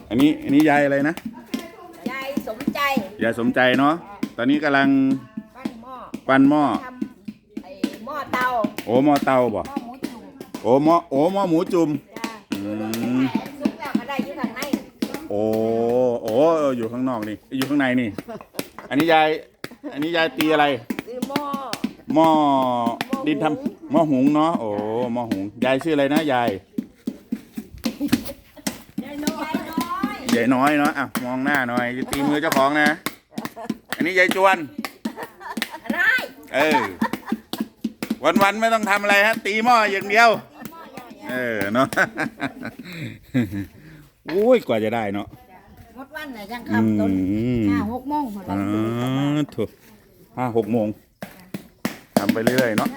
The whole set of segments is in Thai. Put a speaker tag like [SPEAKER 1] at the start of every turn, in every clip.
[SPEAKER 1] อันนี้ยายอะไรนะ
[SPEAKER 2] ยายสมใจ
[SPEAKER 1] ยายสมใจเนาะตอนนี้กำลัง
[SPEAKER 2] ปั้นหม้อ
[SPEAKER 1] ท
[SPEAKER 2] ำไอ้หม้อเตา
[SPEAKER 1] โอ้หม้อเตาบ่
[SPEAKER 2] หม้อหมูจุ่ม
[SPEAKER 1] โอ้หม้อหมูจุ่ม
[SPEAKER 2] ซุปแล้วก็ได้อยู่ข้างใน
[SPEAKER 1] โอ้อยู่ข้างนอกนี่อยู่ข้างในนี่อันนี้ยายตีอะไร
[SPEAKER 2] คือ
[SPEAKER 1] หม้อดินทำหม้อหุงเนาะโอ้หม้อหุงยายชื่ออะไรนะยายน้อยเนาะอ่ะมองหน้าหน่อยตีมือเจ้าของนะอันนี้ยายจวนวันไม่ต้องทำอะไรฮะตีหม้ออย่างเดียวเนาะโอ้ยกว่าจะได้เนาะ
[SPEAKER 2] หมดวันเนี่ยยังคำต้น5-6 โมงหมดแล้ว
[SPEAKER 1] ถูก5-6 โมงทำไปเรื่อยๆเนาะ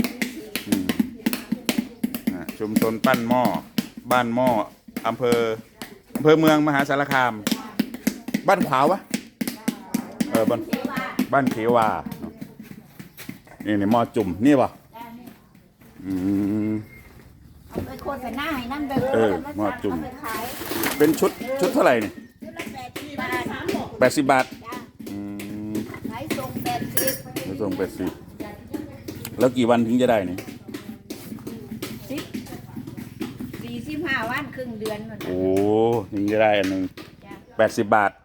[SPEAKER 1] ชุมชนปั้นหม้อบ้านหม้ออำเภอเมืองมหาสารคามบ้านขวาวะบ้านเขวานี่หม้อจุ่มนี่ป่ะ
[SPEAKER 2] เอาไปโฆษณาให้นั่นไป
[SPEAKER 1] หม้อจุ่มเป็นชุดเท่าไหร่นี่80 บาท
[SPEAKER 2] ขายส่ง
[SPEAKER 1] 80แล้วกี่วันถึงจะได้นี่
[SPEAKER 2] 45 วันครึ่งเดือน
[SPEAKER 1] โอ้ถึงจะได้อันหนึ่ง80 บาท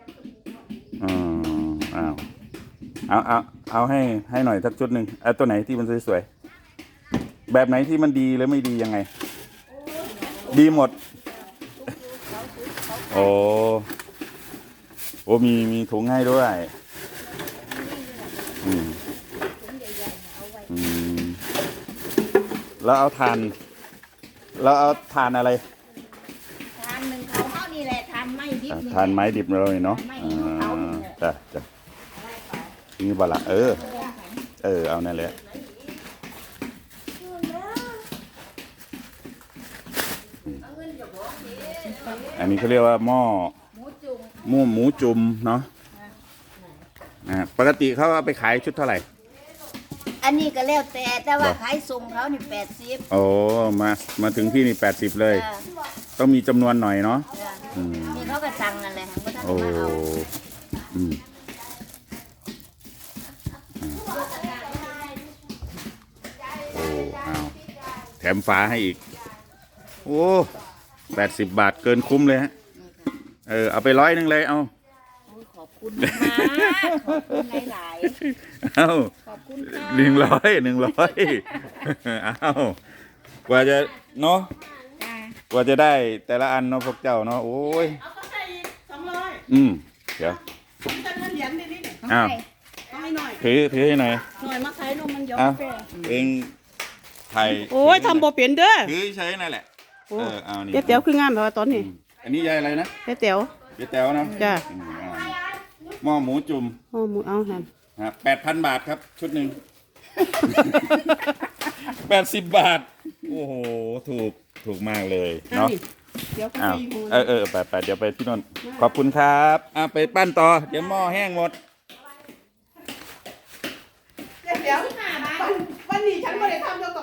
[SPEAKER 1] เอาให้หน่อยสักชุดหนึ่งตัวไหนที่มันสวยๆแบบไหนที่มันดีหรือไม่ดียังไงดีหมดโอ้มีถุงให้ด้วยแล้วเอาทานอะไร
[SPEAKER 2] ทานหนึ่งเขาเท่านี่แหละทานไม้ดิบ
[SPEAKER 1] ทานไม้ดิบเลยเนาะจ้ะนี่บละเอานั่นแหละอันนี้เขาเรียกว่าหม้อหมูจุ่มเนาะปกติเขาเอาไปขายชุดเท่าไหร่
[SPEAKER 2] อันนี้ก็แล้วแต่ว่าขายส่งเขานี่80
[SPEAKER 1] โอ้มาถึงที่นี่80เลยต้องมีจำนวนหน่อยเนาะ
[SPEAKER 2] นี่เขาก็สั่งนั่นแหละ
[SPEAKER 1] โอ้เอาแถมฝาให้อีกโอ้80 บาทเกินคุ้มเลยฮะเอาไป100เลยเอา
[SPEAKER 2] ขอบคุณมากขอบคุณหลาย
[SPEAKER 1] ๆเอา
[SPEAKER 2] ขอบคุณ
[SPEAKER 1] 100เอากว่าจะเนาะกว่าจะได้แต่ละอันเนาะพวกเจ้าเนาะโอ้ย
[SPEAKER 3] เอาก็ใส่อีก200
[SPEAKER 1] เดี๋ยว
[SPEAKER 3] แต่เงินเหรียญนี่
[SPEAKER 1] อ้าว
[SPEAKER 3] ให้หน่อย
[SPEAKER 1] ถือให้หน่อย
[SPEAKER 3] มาขายนมมันย้อม
[SPEAKER 1] เองไทย
[SPEAKER 3] โอ้ยทำบ่เปลี่ยนเด้อ
[SPEAKER 1] ถือใช้นั่นแหละเอานี่
[SPEAKER 3] เตี๋ยวคืองามแบบว่าตอนนี้
[SPEAKER 1] อันนี้ยายอะไรนะ
[SPEAKER 3] เตี๋ยว
[SPEAKER 1] นะ
[SPEAKER 3] จ้ะ
[SPEAKER 1] หม้อหมูจุ่ม
[SPEAKER 3] เอาแฮม
[SPEAKER 1] 8,000 บาทครับชุดหนึ่ง80 บาทโอ้โหถูกมากเลยเนาะ
[SPEAKER 3] เดี๋ยว
[SPEAKER 1] ไปเดี๋ยวไปที่นนขอบคุณครับไปปั้นต่อเดี๋ยวหม้อแห้งหมด
[SPEAKER 3] เดี๋ยววันนี้ฉันไม่ได้ทำ